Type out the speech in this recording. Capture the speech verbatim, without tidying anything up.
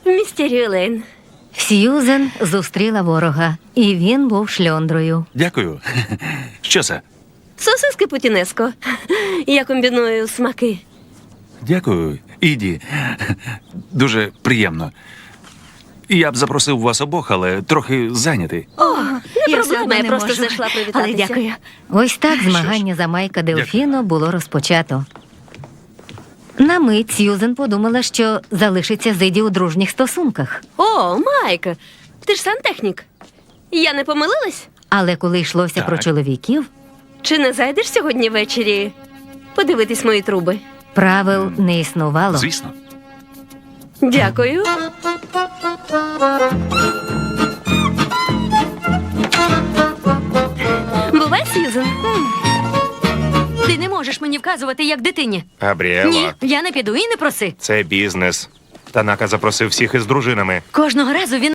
Містері Лейн. Сьюзен зустріла ворога, і він був шльондрою. Дякую. Що це? Сосиски путінеско. Я комбіную смаки. Дякую, Іді. Дуже приємно. Я б запросив вас обох, але трохи зайнятий. О, не Я все проблема, одно я не просто можу. зайшла привітатися. Але дякую. Ось так змагання за Майка Делфіно було розпочато. На мить Сьюзен подумала, що залишиться з Іді у дружніх стосунках. О, Майк, ти ж сантехнік. Я не помилилась? Але коли йшлося Так. про чоловіків, Чи не зайдеш сьогодні ввечері подивитись мої труби? правил не існувало. Звісно. Дякую. Бувай, Сьюзен. Ти не можеш мені вказувати, як дитині. Габріела, Ні, я не піду і не проси. це бізнес. Танака запросив всіх із дружинами. Кожного разу він